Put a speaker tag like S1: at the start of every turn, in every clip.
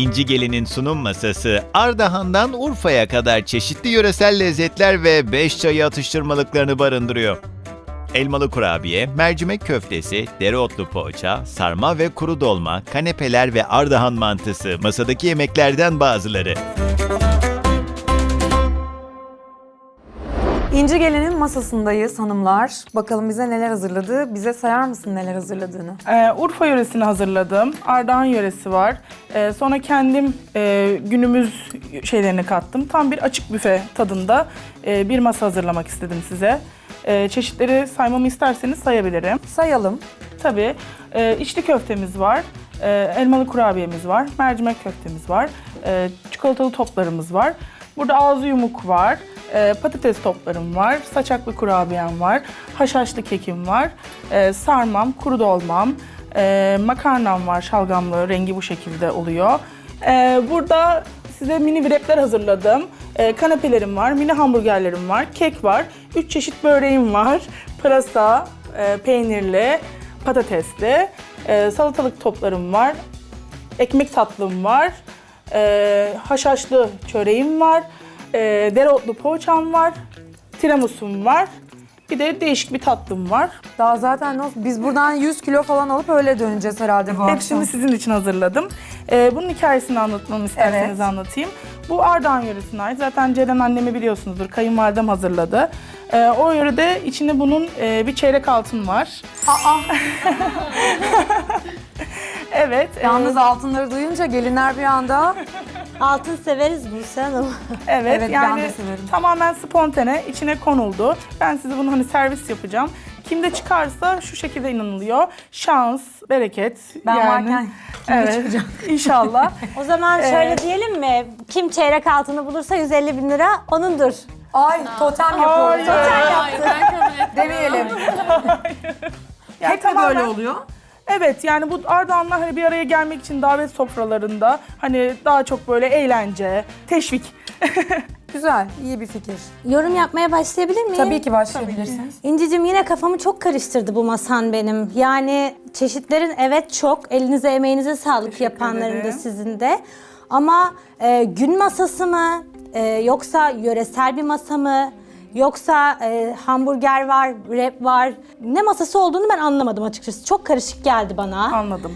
S1: İnci Gelin'in sunum masası, Ardahan'dan Urfa'ya kadar çeşitli yöresel lezzetler ve 5 çayı atıştırmalıklarını barındırıyor. Elmalı kurabiye, mercimek köftesi, dereotlu poğaça, sarma ve kuru dolma, kanepeler ve Ardahan mantısı masadaki yemeklerden bazıları.
S2: İnci Gelin'in masasındayız hanımlar. Bakalım bize neler hazırladı. Bize sayar mısın neler hazırladığını?
S3: Urfa yöresini hazırladım. Ardahan yöresi var. Sonra kendim günümüz şeylerini kattım. Tam bir açık büfe tadında bir masa hazırlamak istedim size. Çeşitleri saymamı isterseniz sayabilirim.
S2: Sayalım.
S3: Tabii içli köftemiz var. Elmalı kurabiyemiz var. Mercimek köftemiz var. Çikolatalı toplarımız var. Burada ağzı yumuk var. Patates toplarım var, saçaklı kurabiyem var, haşhaşlı kekim var, sarmam, kuru dolmam, makarnam var, şalgamlı, rengi bu şekilde oluyor. Burada size mini wrapler hazırladım. Kanepelerim var, mini hamburgerlerim var, kek var, 3 çeşit böreğim var, pırasa, peynirli, patatesli, salatalık toplarım var, ekmek tatlım var, haşhaşlı çöreğim var. Dereotlu poğaçam var, tiramisu'm var, bir de değişik bir tatlım var.
S2: Daha zaten biz buradan 100 kilo falan alıp öyle döneceğiz herhalde bu akşam.
S3: Hepsini sizin için hazırladım. Bunun hikayesini anlatmamı isterseniz
S2: Evet.
S3: anlatayım. Bu Ardahan yöresine ait. Zaten Ceren annemi biliyorsunuzdur, kayınvalidem hazırladı. O yörede içinde bunun bir çeyrek altın var. Evet.
S2: Yalnız altınları duyunca gelinler bir anda...
S4: Altın severiz Buse Hanım.
S3: Evet,
S2: Evet, ben
S3: yani
S2: de severim.
S3: tamamen spontane, içine konuldu. Ben size bunu hani servis yapacağım. Kimde çıkarsa şu şekilde inanılıyor. Şans, bereket.
S2: Ben
S3: yani,
S2: varken kimde
S3: evet,
S2: çıkacağım?
S3: İnşallah.
S4: O zaman şöyle diyelim mi? Kim çeyrek altını bulursa 150 bin lira onundur.
S2: Ay totem yapıyoruz.
S3: Hayır.
S2: Demeyelim.
S3: Yani
S2: Hep mi böyle oluyor?
S3: Evet, yani bu Ardahanlar hani bir araya gelmek için davet sofralarında hani daha çok böyle eğlence, teşvik.
S2: Güzel, iyi bir fikir.
S4: Yorum yapmaya başlayabilir miyim?
S2: Tabii ki başlayabilirsiniz.
S4: İncicim yine kafamı çok karıştırdı bu masan benim. Yani çeşitlerin evet çok, elinize emeğinize sağlık yapanların da
S3: ederim.
S4: sizin de. Ama gün masası mı, yoksa yöresel bir masa mı, yoksa hamburger var, wrap var. Ne masası olduğunu ben anlamadım açıkçası. Çok karışık geldi bana.
S3: Anladım.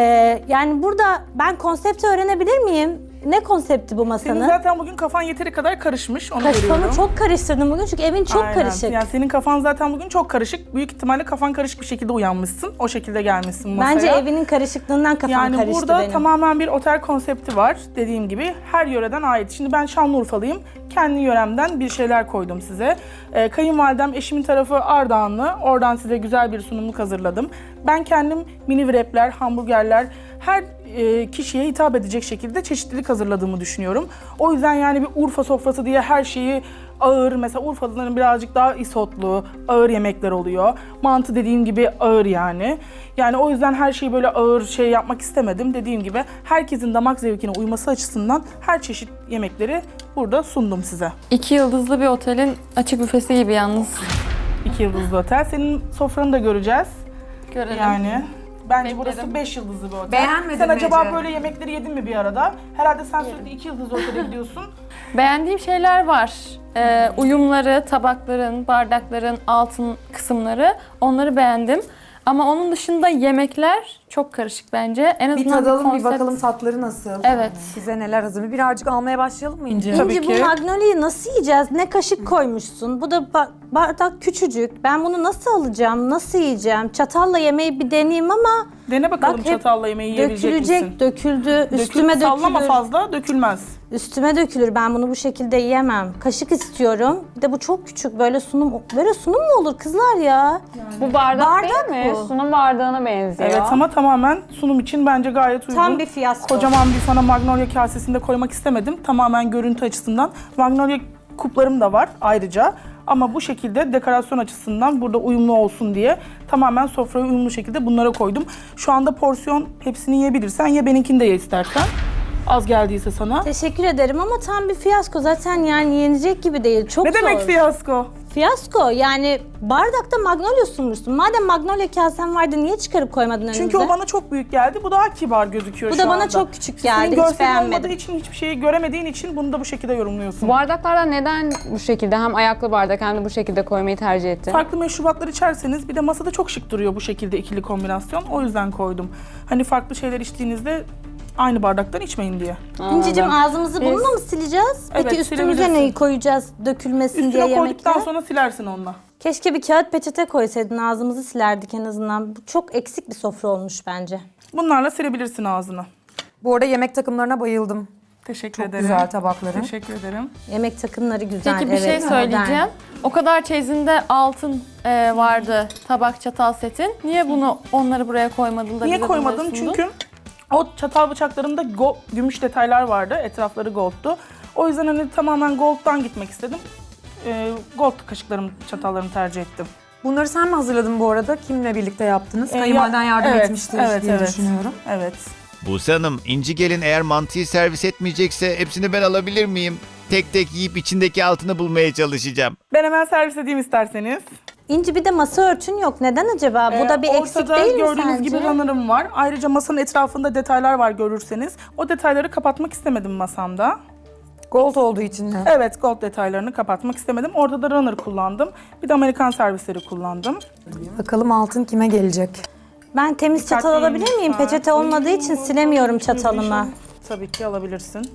S4: Yani burada ben konsepti öğrenebilir miyim? Ne konsepti bu masanın?
S3: Senin zaten bugün kafan yeteri kadar karışmış, onu
S4: Kafamı
S3: görüyorum.
S4: çok karıştırdım bugün çünkü evin çok
S3: Aynen.
S4: karışık.
S3: Yani senin kafan zaten bugün çok karışık. Büyük ihtimalle kafan karışık bir şekilde uyanmışsın. O şekilde gelmişsin masaya.
S4: Bence evinin karışıklığından kafam
S3: Yani
S4: karıştı
S3: burada
S4: benim.
S3: tamamen bir otel konsepti var. Dediğim gibi her yöreden ait. Şimdi ben Şanlıurfalıyım. Kendi yöremden bir şeyler koydum size. Kayınvalidem, eşimin tarafı Ardahanlı. Oradan size güzel bir sunumluk hazırladım. Ben kendim mini wrapler, hamburgerler, her kişiye hitap edecek şekilde çeşitlilik hazırladığımı düşünüyorum. O yüzden yani bir Urfa sofrası diye her şeyi ağır, mesela Urfalıların birazcık daha isotlu, ağır yemekler oluyor. Mantı dediğim gibi ağır yani. Yani o yüzden her şeyi böyle ağır şey yapmak istemedim. Dediğim gibi herkesin damak zevkine uyması açısından her çeşit yemekleri burada sundum size.
S5: 2 yıldızlı bir otelin açık büfesi gibi yalnız.
S3: 2 yıldızlı otel. Senin sofranı da göreceğiz.
S5: Görelim.
S3: Yani bence
S5: Beklerim.
S3: burası 5 yıldızlı bir otel.
S2: Beğenmedin
S3: Sen
S2: mi
S3: acaba
S2: Ece?
S3: böyle yemekleri yedin mi bir arada? Herhalde sen sürekli 2 yıldızlı otele gidiyorsun.
S5: Beğendiğim şeyler var. Uyumları, tabakların, bardakların altın kısımları onları beğendim. Ama onun dışında yemekler çok karışık bence. En
S2: Bir
S5: azından
S2: tadalım, bir
S5: konsept-
S2: bakalım tatları nasıl?
S5: Evet.
S2: Size neler hazırlıyor? Birazcık almaya başlayalım mı İnci?
S3: Tabii
S4: İnci
S3: ki.
S4: bu magnolia'yı nasıl yiyeceğiz? Ne kaşık koymuşsun? Bu da bardak küçücük. Ben bunu nasıl alacağım? Nasıl yiyeceğim? Çatalla yemeği bir deneyeyim ama
S3: Dene bakalım
S4: Bak hep
S3: çatalla yemeği yiyebilecek
S4: dökülecek,
S3: misin?
S4: döküldü, üstüme
S3: Sallama
S4: dökülür.
S3: fazla, dökülmez.
S4: Üstüme dökülür. Ben bunu bu şekilde yiyemem. Kaşık istiyorum. Bir de bu çok küçük. Böyle sunum mu olur kızlar ya?
S6: Bu bardak,
S4: Bardak
S6: değil mi?
S4: bu.
S6: Sunum bardağına benziyor.
S3: Evet ama tamamen sunum için bence gayet uygun.
S4: Tam bir fiyasko.
S3: Kocaman bir sana magnolia kasesinde koymak istemedim. Tamamen görüntü açısından. Magnolia kuplarım da var ayrıca. Ama bu şekilde dekorasyon açısından burada uyumlu olsun diye tamamen sofraya uyumlu şekilde bunlara koydum. Şu anda porsiyon hepsini yiyebilirsen ye, benimkini de ye istersen. Az geldiyse sana.
S4: Teşekkür ederim ama tam bir fiyasko. Zaten yani yenecek gibi değil. Çok
S3: Ne
S4: zor.
S3: demek fiyasko?
S4: Fiyasko yani bardakta magnolia sunmuşsun. Madem magnolia kasen vardı niye çıkarıp koymadın önümüze?
S3: Çünkü o bana çok büyük geldi. Bu daha kibar gözüküyor
S4: Bu
S3: şu
S4: da bana
S3: anda.
S4: çok küçük
S3: Senin
S4: geldi. Hiç
S3: görselin olmadığı
S4: beğenmedim.
S3: için, hiçbir şeyi göremediğin için bunu da bu şekilde yorumluyorsun.
S6: Bu bardaklardan neden bu şekilde hem ayaklı bardak hem de bu şekilde koymayı tercih ettin?
S3: Farklı meşrubatlar içerseniz bir de masada çok şık duruyor bu şekilde ikili kombinasyon. O yüzden koydum. Hani farklı şeyler içtiğinizde aynı bardaktan içmeyin diye.
S4: İncicim ağzımızı bununla mı sileceğiz?
S3: Evet,
S4: Peki üstümüze
S3: silebilirsin.
S4: neyi koyacağız dökülmesin diye
S3: Üstüne koyduktan
S4: yemekler?
S3: sonra silersin onunla.
S4: Keşke bir kağıt peçete koysaydın ağzımızı silerdik en azından. Bu çok eksik bir sofra olmuş bence.
S3: Bunlarla silebilirsin ağzını.
S2: Bu arada yemek takımlarına bayıldım.
S3: Teşekkür
S2: Çok
S3: ederim.
S2: güzel tabakların.
S3: Teşekkür ederim.
S4: Yemek takımları güzel.
S5: Peki bir şey
S4: evet,
S5: söyleyeceğim.
S4: modern.
S5: O kadar çeyizinde altın vardı tabak çatal setin. Niye onları buraya koymadın da
S3: Niye
S5: bize
S3: koymadım?
S5: bunları sundun?
S3: Çünkü o çatal bıçaklarımda gümüş detaylar vardı. Etrafları gold'tu. O yüzden hani tamamen gold'dan gitmek istedim. Gold kaşıklarım, çatallarımı tercih ettim.
S2: Bunları sen mi hazırladın bu arada? Kimle birlikte yaptınız? Kayınvaliden yardım
S3: evet,
S2: etmiştir
S3: evet,
S2: diye
S3: evet.
S2: düşünüyorum.
S3: Evet.
S1: Buse Hanım, İnci Gelin eğer mantıyı servis etmeyecekse hepsini ben alabilir miyim? Tek tek yiyip içindeki altını bulmaya çalışacağım.
S3: Ben hemen servis edeyim isterseniz.
S4: İnci bir de masa örtün yok. Neden acaba? Bu da bir eksik
S3: Ortada
S4: değil mi
S3: gördüğünüz
S4: sence?
S3: gibi runner'ım var. Ayrıca masanın etrafında detaylar var görürseniz. O detayları kapatmak istemedim masamda.
S2: Gold olduğu için mi?
S3: Evet, gold detaylarını kapatmak istemedim. Orada da runner kullandım. Bir de Amerikan servisleri kullandım.
S2: Bakalım altın kime gelecek?
S4: Ben temiz çatal alabilir miyim?
S3: lütfen.
S4: Peçete olmadığı için silemiyorum çatalımı.
S3: Tabii ki alabilirsin.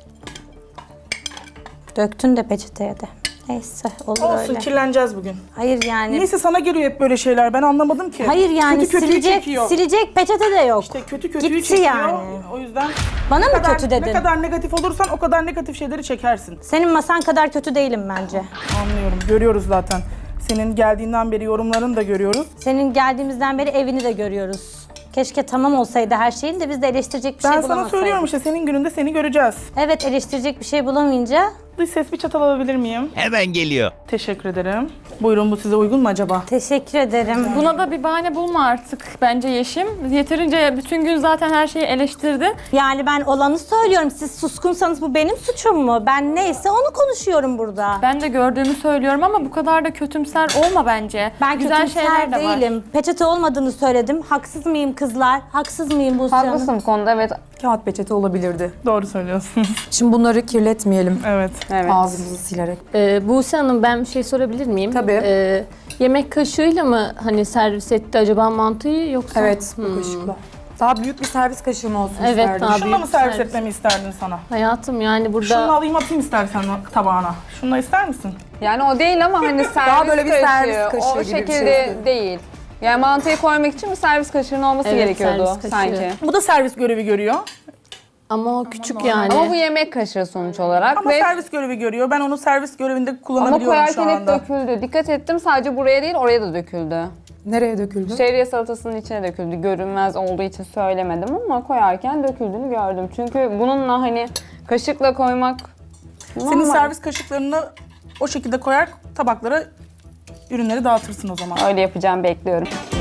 S4: Döktün de peçeteye de. Neyse olur
S3: Olsun,
S4: öyle.
S3: kirleneceğiz bugün.
S4: Hayır yani.
S3: Neyse sana geliyor hep böyle şeyler. Ben anlamadım ki.
S4: Hayır yani
S3: kötü kötüyü
S4: silecek,
S3: çekiyor.
S4: silecek peçete de yok.
S3: İşte kötü kötüyü
S4: Gitti
S3: çekiyor.
S4: yani.
S3: O yüzden
S4: Bana mı
S3: ne kadar,
S4: kötü dedin?
S3: ne kadar negatif olursan o kadar negatif şeyleri çekersin.
S4: Senin masan kadar kötü değilim bence.
S3: Anlıyorum. Görüyoruz zaten. Senin geldiğinden beri yorumlarını da görüyoruz.
S4: Senin geldiğimizden beri evini de görüyoruz. Keşke tamam olsaydı her şeyin de biz de eleştirecek bir şey
S3: Ben
S4: bulamasaydık.
S3: sana söylüyorum işte senin gününde seni göreceğiz.
S4: Evet eleştirecek bir şey bulamayınca
S3: Dış ses bir çatal alabilir miyim?
S1: Hemen geliyor.
S3: Teşekkür ederim. Buyurun bu size uygun mu acaba?
S4: teşekkür ederim.
S5: Buna da bir bahane bulma artık bence Yeşim. Yeterince bütün gün zaten her şeyi eleştirdin.
S4: Yani ben olanı söylüyorum. Siz suskunsanız bu benim suçum mu? Ben neyse onu konuşuyorum burada.
S5: Ben de gördüğümü söylüyorum ama bu kadar da kötümser olma bence.
S4: Ben
S5: Güzel şeyler
S4: kötümser
S5: de var.
S4: değilim. Peçete olmadığını söyledim. Haksız mıyım kızlar? Haksız mıyım Buse Hanım?
S6: Haklısın bu konuda, evet.
S2: Kağıt peçete olabilirdi.
S3: Doğru söylüyorsunuz.
S2: Şimdi bunları kirletmeyelim.
S3: Evet.
S6: Evet.
S2: Ağzımızı silerek.
S7: Buse Hanım ben bir şey sorabilir miyim?
S2: Tabii.
S7: Yemek kaşığıyla mı hani servis etti acaba mantıyı yoksa?
S2: Evet, bu kaşıkla. Daha büyük bir servis kaşığım olsun
S7: Evet,
S2: isterdim.
S7: daha
S3: Şununla
S7: büyük
S3: mı
S7: bir
S3: servis
S7: servis.
S3: etmemi isterdin sana?
S7: Hayatım yani burada
S3: Şunu alayım atayım istersen tabağına. Şunu ister misin?
S6: Yani o değil ama hani servis
S2: böyle bir
S6: kaşığı,
S2: servis kaşığı
S6: o
S2: gibi bir
S6: şekilde
S2: şey.
S6: değil. Yani mantıyı koymak için bir servis kaşığının olması
S7: Evet,
S6: gerekiyordu
S7: servis kaşığı.
S6: sanki.
S3: Bu da servis görevi görüyor.
S7: ama o küçük yani.
S6: Ama bu yemek kaşığı sonuç olarak
S3: Ama
S6: ve
S3: servis görevi görüyor. Ben onu servis görevinde
S6: ama
S3: kullanabiliyorum şu
S6: koyarken hep
S3: anda.
S6: döküldü. Dikkat ettim sadece buraya değil oraya da döküldü.
S2: Nereye döküldü?
S6: Şehriye salatasının içine döküldü. Görünmez olduğu için söylemedim ama koyarken döküldüğünü gördüm. Çünkü bununla hani kaşıkla koymak
S3: Senin
S6: normal.
S3: servis kaşıklarını o şekilde koyar tabaklara ürünleri dağıtırsın o zaman.
S6: Öyle yapacağım, bekliyorum.